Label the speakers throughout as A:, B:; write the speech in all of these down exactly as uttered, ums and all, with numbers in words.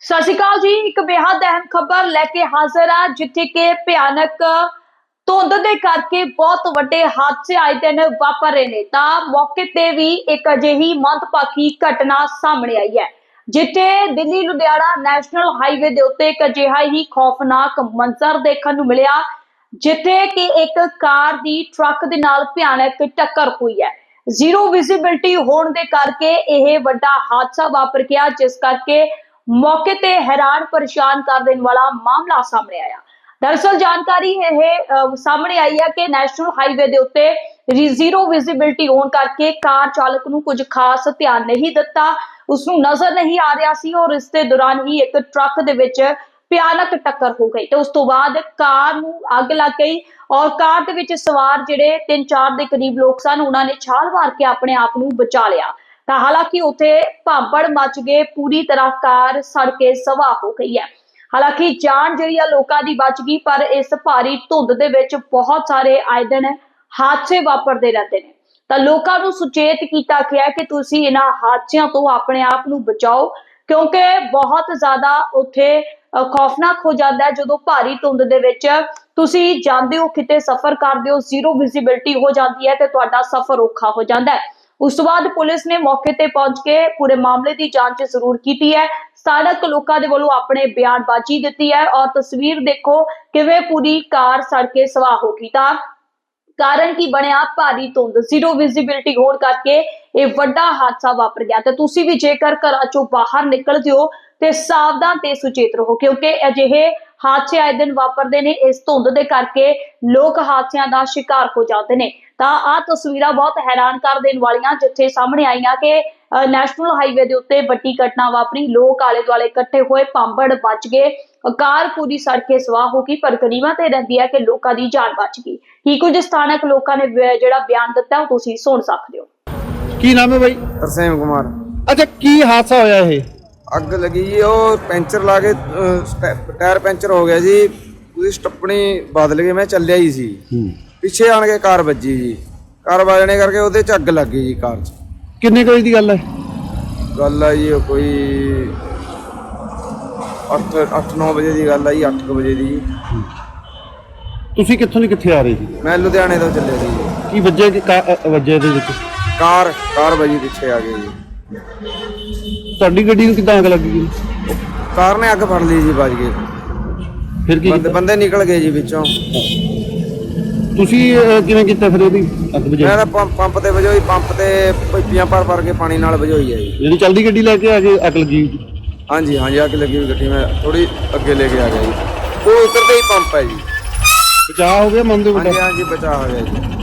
A: सत श्री अकाल जी। एक बेहद अहम खबर लैके हाजिर आ जिथे कि भयानक धुंध दे करके बहुत वड्डे हादसे आए दिन वापर रहे ने। तां मौके ते भी एक अजिही मंदभागी घटना सामने आई है जिथे दिल्ली लुधियाना नैशनल हाईवे दे उत्ते एक अजिहा ही खौफनाक मंजर देखने नूं मिलिया जिथे कि एक कार दी ट्रक दे नाल भयानक टक्कर हुई है। जीरो विजिबिलिटी होने दे करके यह वड्डा हादसा वापर गया जिस करके मौके ते हैरान परेशान कर देने वाला मामला सामने आया। दरअसल जानकारी यह सामने आई है कि नैशनल हाईवे के उत्ते जीरो विजिबिलिटी होने करके कार चालक नूं कुछ खास ध्यान नहीं दिता, उसनूं नजर नहीं आ रहा सी और इस दे दौरान ही एक ट्रक दे विच भयानक टक्कर हो गई। तो उस तो बाद कार नूं अग लग गई और कार दे विच सवार जिहड़े तीन चार के करीब लोग सन उन्होंने छाल मार के अपने आप नूं बचा लिया। तो हालांकि उत्थे भांबड़ मच गए, पूरी तरह कार सड़ के सवाह हो गई है। हालांकि जान जी लोगों की बच गई, पर इस भारी धुंध दे विच बहुत सारे आए दिन हादसे वापरते रहते हैं। तो लोगों को सुचेत किया गया कि तुसीं इन्हां हादसियां तो अपने आप नूं बचाओ, क्योंकि बहुत ज्यादा उत्थे खौफनाक हो जाता है जो भारी धुंध दे विच तुसीं जांदे हो, किते सफर करदे हो, जीरो विजिबिलिटी हो जाती है तो तुहाडा सफर औखा हो जाता है। उस तो बाद पुलिस ने मौके ते पहुंच के पूरे मामले की जांच जरूर की है। स्थानक लोगों के वालों अपने बयानबाजी दी है और तस्वीर देखो किवें पूरी कार सड़ के सवाह हो गई। तां कारण की बनया भारी धुंध, जीरो विजिबिलिटी होने करके यह वड्डा हादसा वापर गया। तो तुसीं भी जेकर घरां चों बाहर निकलदे हो ते सावधान ते सुचेत रहो, क्योंकि अजिहे हादसे आए दिन वापरते हैं। इस धुंध के करके लोग हादसों का शिकार हो जाते हैं। तो आ तस्वीरां बहुत हैरान कर देने वालियां जिथे सामने आईयां कि नैशनल हाईवे के उत्ते वड्डी घटना वापरी, लोग आले दुआले इकट्ठे हुए, भांबड़ बच गए, कार पूरी सड़ के सवाह हो गई, पर गनीमत यह रहती है कि लोगों की जान बच गई। की कुछ स्थानक लोगों ने जिहड़ा बयान दिता है तुसीं सुन सकते हो।
B: की नाम है भाई?
C: तरसेम कुमार।
B: अच्छा, की हादसा होया है?
C: अग लगी जी, वो पैंचर ला के टायर पैंचर हो गया जी, उसकी स्टपनी बदल गई, मैं चलिया ही सी, पिछे आन के कार ਵੱਜੀ जी, कार ਵੱਜਣੇ करके ਉਹਦੇ ਚ ਅੱਗ ਲੱਗ ਗਈ ਜੀ ਕਾਰ ਚ।
B: ਕਿੰਨੇ ਕੁ ਵਜੇ ਦੀ ਗੱਲ ਹੈ?
C: ਗੱਲ ਆ ਜੀ ਕੋਈ ਅੱਠ ਅੱਠ ਨੌ ਵਜੇ ਦੀ ਗੱਲ ਆ ਜੀ, ਅੱਠ ਵਜੇ ਦੀ।
B: ਤੁਸੀਂ ਕਿੱਥੋਂ ਦੀ ਕਿੱਥੇ ਆ ਰਹੇ ਸੀ?
C: ਮੈਂ ਲੁਧਿਆਣੇ ਤੋਂ ਚੱਲਿਆ ਸੀ ਜੀ।
B: ਕੀ ਵੱਜੇ ਕਿ ਵੱਜੇ ਦੇ ਵਿੱਚ?
C: ਕਾਰ ਕਾਰ ਵੱਜੀ, ਪਿੱਛੇ ਆ ਗਈ ਜੀ।
B: ਤੁਹਾਡੀ ਗੱਡੀ ਨੂੰ ਕਿੱਦਾਂ ਅੱਗ ਲੱਗ ਗਈ?
C: ਕਾਰ ਨੇ ਅੱਗ ਫੜ ਲਈ ਜੀ, ਵੱਜ ਗਏ।
B: ਫਿਰ ਕੀ
C: ਬੰਦੇ ਬੰਦੇ ਨਿਕਲ ਗਏ ਜੀ ਵਿੱਚੋਂ।
B: ਤੁਸੀਂ ਕਿਵੇਂ ਕੀਤਾ ਫਿਰ ਉਹਦੀ ਅੱਗ ਬੁਝਾਈ?
C: ਮੈਂ ਤਾਂ ਪੰਪ ਪੰਪ ਤੇ ਵਜੋਈ, ਪੰਪ ਤੇ ਪੀਪੀਆਂ ਭਰ ਭਰ ਕੇ ਪਾਣੀ ਨਾਲ ਵਜੋਈ ਹੈ ਜੀ।
B: ਜਿਹੜੀ ਚੱਲਦੀ ਗੱਡੀ ਲੈ ਕੇ ਆ ਕੇ ਅੱਗ ਲੱਗੀ?
C: ਹਾਂਜੀ ਹਾਂਜੀ, ਅੱਗ ਲੱਗੀ ਹੋਈ ਗੱਡੀ ਮੈਂ ਥੋੜੀ ਅੱਗੇ ਲੈ ਕੇ ਆ ਗਿਆ ਜੀ। ਉਹ ਉਤਰਦੇ ਹੀ ਪੰਪ ਹੈ ਜੀ।
B: ਬਚਾਅ ਹੋ ਗਿਆ ਮਨ ਦੇ?
C: ਹਾਂਜੀ ਹਾਂਜੀ, ਬਚਾਅ ਹੋ ਗਿਆ ਜੀ,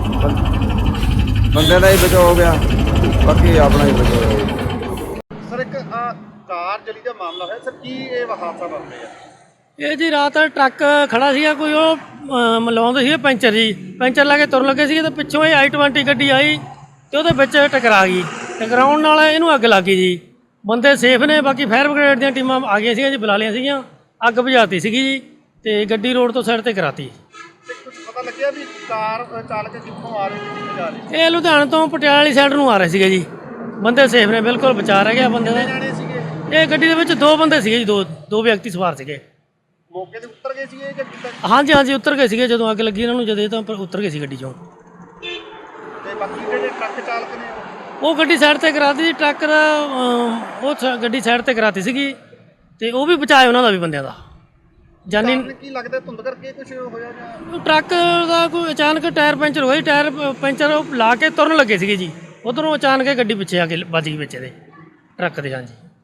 C: ਬੰਦੇ ਦਾ ਹੀ ਬਚਾਅ ਹੋ ਗਿਆ, ਬਾਕੀ ਆਪਣਾ ਹੀ ਬਚਾਅ ਹੋਇਆ ਜੀ।
B: ਸਰ, ਇੱਕ ਕਾਰ ਜਲੀ ਦਾ ਮਾਮਲਾ ਹੈ ਸਰ, ਕੀ ਇਹ ਹਾਦਸਾ ਵਾਪਰਿਆ?
D: ਇਹ ਜੀ ਰਾਤ ਟਰੱਕ ਖੜਾ ਸੀਗਾ, ਕੋਈ ਉਹ ਮਲਾਉਂਦੇ ਸੀ ਪੈਂਚਰ ਜੀ, ਪੈਂਚਰ ਲਾ ਕੇ ਤੁਰਨ ਲੱਗੇ ਸੀ, ਤੇ ਪਿੱਛੋਂ ਇਹ ਆਈ ਟਵੈਂਟੀ ਗੱਡੀ ਆਈ ਤੇ ਉਹਦੇ ਵਿੱਚ ਟਕਰਾ ਗਈ। ਟਕਰਾਉਣ ਨਾਲ ਇਹਨੂੰ ਅੱਗ ਲੱਗ ਗਈ ਜੀ। ਬੰਦੇ ਸੇਫ ਨੇ, ਬਾਕੀ ਫਾਇਰ ਬ੍ਰਿਗੇਡ ਦੀਆਂ ਟੀਮਾਂ ਆ ਗਈਆਂ ਸੀਗੀਆਂ ਜੀ, ਬੁਲਾ ਲਈਆਂ ਸੀਗੀਆਂ, ਅੱਗ ਬੁਝਾਤੀ ਸੀਗੀ ਜੀ ਤੇ ਗੱਡੀ ਰੋਡ ਤੋਂ ਸਾਈਡ ਤੇ ਕਰਾਤੀ।
B: ਕੁਝ ਪਤਾ ਲੱਗਿਆ ਵੀ ਕਾਰ ਚਾਲਕ ਕਿੱਥੋਂ ਆ ਰਹੇ ਸੀ, ਕਿੱਥੇ ਜਾ ਰਹੇ ਸੀ?
D: ਇਹ ਲੁਧਿਆਣੇ ਤੋਂ ਪਟਿਆਲਾ ਵਾਲੀ ਸਾਈਡ ਨੂੰ ਆ ਰਹੇ ਸੀਗੇ ਜੀ। ਬੰਦੇ ਸੇਫ ਨੇ, ਬਿਲਕੁਲ ਬਚਾ ਰਹਿ ਗਿਆ ਬੰਦੇ ਦਾ।
B: ਜਾਣੇ ਸੀਗੇ
D: ਇਹ ਗੱਡੀ ਦੇ ਵਿੱਚ ਦੋ ਬੰਦੇ ਸੀਗੇ ਜੀ, ਦੋ ਦੋ ਵਿਅਕਤੀ ਸਵਾਰ ਸੀਗੇ।
B: ਮੌਕੇ ਤੇ ਉਤਰ ਗਏ ਸੀਗੇ ਜਾਂ ਕਿੱਦਾਂ?
D: ਹਾਂਜੀ ਹਾਂਜੀ, ਉਤਰ ਗਏ ਸੀਗੇ ਜਦੋਂ ਅੱਗ ਲੱਗੀ ਇਹਨਾਂ ਨੂੰ, ਜਦੋਂ ਤਾਂ ਉਤਰ ਗਏ ਸੀ ਗੱਡੀ ਚੋਂ।
B: ਤੇ ਬਾਕੀ ਜਿਹੜੇ ਟਰੱਕ ਚਾਲਕ ਨੇ
D: ਉਹ ਗੱਡੀ ਸਾਈਡ ਤੇ ਕਰਾਤੀ ਜੀ, ਟਰੱਕ ਦਾ ਉਹ ਗੱਡੀ ਸਾਈਡ ਤੇ ਕਰਾਤੀ ਸੀਗੀ ਤੇ ਉਹ ਵੀ ਬਚਾਏ ਉਹਨਾਂ ਦਾ ਵੀ, ਬੰਦਿਆਂ ਦਾ ਜਾਨੀ।
B: ਕੀ ਲੱਗਦਾ ਧੁੰਦ ਕਰਕੇ ਕੁਝ ਹੋਇਆ ਜਾਂ?
D: ਟਰੱਕ ਦਾ ਕੋਈ ਅਚਾਨਕ ਟਾਇਰ ਪੈਂਚਰ ਹੋਇਆ, ਟਾਇਰ ਪੈਂਚਰ ਲਾ ਕੇ ਤੁਰਨ ਲੱਗੇ ਸੀਗੇ ਜੀ, ਉਧਰੋਂ ਅਚਾਨਕ ਗੱਡੀ ਪਿੱਛੇ ਆ ਕੇ ਵੱਜ ਗਈ ਵਿੱਚ ਇਹਦੇ ਟਰੱਕ ਦੇ। ਹਾਂਜੀ।